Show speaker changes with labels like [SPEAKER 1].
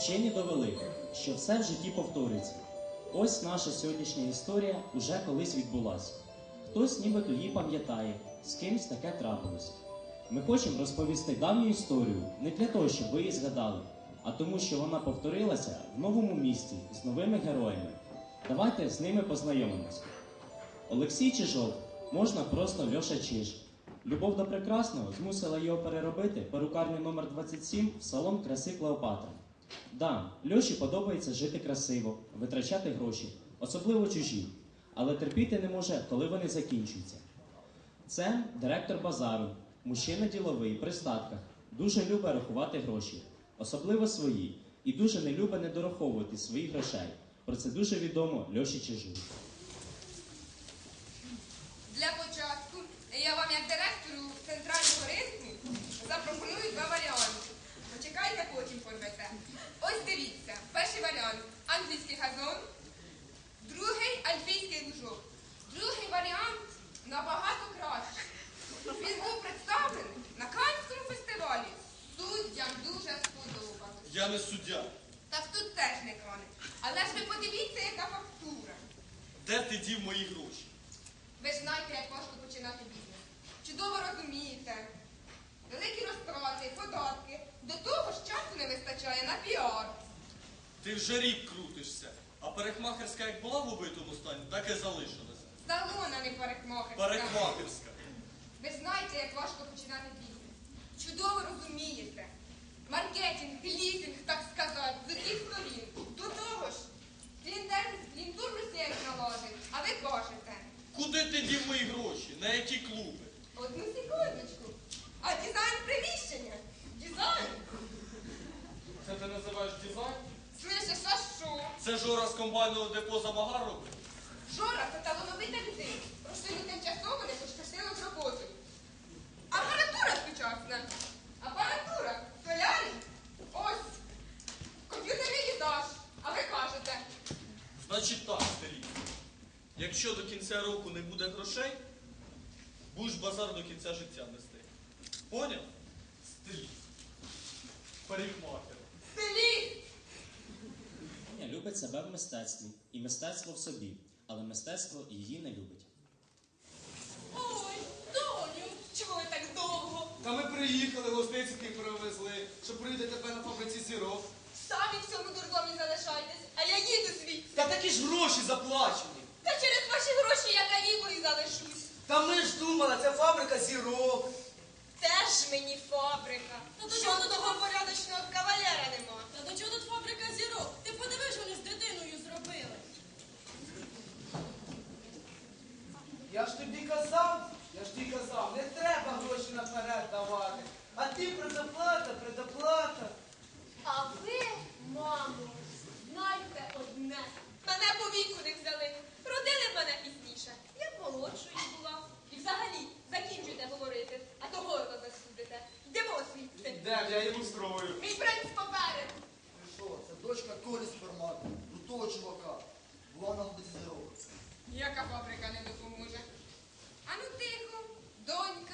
[SPEAKER 1] Вчені довели, що все в житті повторюється. Ось наша сьогоднішня історія уже колись відбулася. Хтось нібито її пам'ятає, з кимсь таке трапилось. Ми хочемо розповісти давню історію не для того, щоб ви її згадали, а тому, що вона повторилася в новому місті з новими героями. Давайте з ними познайомимось. Олексій Чижов, можна просто Льоша Чиж. Любов до прекрасного змусила його переробити перукарню номер 27 в салон краси Клеопатра. Да, Льоші подобається жити красиво, витрачати гроші, особливо чужі, але терпіти не може, коли вони закінчуються. Це директор базару, мужчина діловий, при статках, дуже любить рахувати гроші, особливо свої, і дуже не любить недораховувати своїх грошей. Про це дуже відомо Льоші Чижу.
[SPEAKER 2] Для початку я вам, як директору центрального ринку, запропоную два варіанти. Почекайте, потім порвете. Ось дивіться, перший варіант – англійський газон, другий – альпійський лужок. Другий варіант набагато кращий. Він був представлений на Каннському фестивалі. Суддям дуже сподобалось.
[SPEAKER 3] Я не суддя.
[SPEAKER 2] Так тут теж не кане. Але ж ви подивіться, яка фактура.
[SPEAKER 3] Де ти дів мої гроші?
[SPEAKER 2] Ви ж знаєте, як важко починати бізнес. Чудово розумієте. Великі розтрати, податки. До того ж часу не вистачає на піар.
[SPEAKER 3] Ти вже рік крутишся, а парикмахерська як була в убитому стані, так і залишилася.
[SPEAKER 2] Салона, не парикмахерська.
[SPEAKER 3] Парикмахерська.
[SPEAKER 2] Ви ж знаєте, як важко починати бізнес. Чудово розумієте. Маркетинг, лізинг, так сказати, з усіх сторін. До того ж, клієнтурну сеть наложить. А ви кажете.
[SPEAKER 3] Куди ти дів мої гроші? На які клуби?
[SPEAKER 2] Одну секундочку. А дизайн приміщення? Дизайн?
[SPEAKER 3] Це ти називаєш дизайн?
[SPEAKER 2] Слышиш, а що?
[SPEAKER 3] Це Жора з комбайного депо Замагар робить?
[SPEAKER 2] Жора – це талановита людина. Просто йому тимчасово не пощастило з роботою. Апаратура сучасна. Апаратура. Солярій. Ось. Комп'ютерний їдаж. А ви кажете.
[SPEAKER 3] Значить так, старі. Якщо до кінця року не буде грошей, будеш базар до кінця життя нести. Поняв? Стиліст. Парикмахер.
[SPEAKER 2] Стиліст.
[SPEAKER 1] Аня любить себе в мистецтві, і мистецтво в собі, але мистецтво її не любить.
[SPEAKER 2] Ой, доню, чого ви так довго?
[SPEAKER 4] Та ми приїхали, гостинських привезли, щоб прийти тебе на фабриці зірок.
[SPEAKER 2] Самі в цьому дурдомі залишайтесь, а я їду звідси.
[SPEAKER 4] Та такі ж гроші заплачені.
[SPEAKER 2] Та через ваші гроші я калікою залишусь.
[SPEAKER 4] Та ми ж думали, це фабрика зірок.
[SPEAKER 2] Теж мені фабрика. Що до того порядочного кавалера нема?
[SPEAKER 5] Та до чого тут фабрика зірок? Ти подивись, що вони з дитиною зробили.
[SPEAKER 4] Я ж тобі казав, не треба гроші наперед давати. А ти предоплата.
[SPEAKER 2] А ви, мамо, знаєте одне. Мене по віку не взяли. Родили мене пізніше. Я молодшою була. І взагалі, закінчуйте говорити, а то горло застудите. Йдемо звідси.
[SPEAKER 4] Де я їм устрою?
[SPEAKER 2] Мій принц поперед.
[SPEAKER 6] Ти що, це дочка Колі Супермаркету, у того чувака. Була на вулиці зірок.
[SPEAKER 2] Яка фабрика не допоможе? Ану тихо, донь.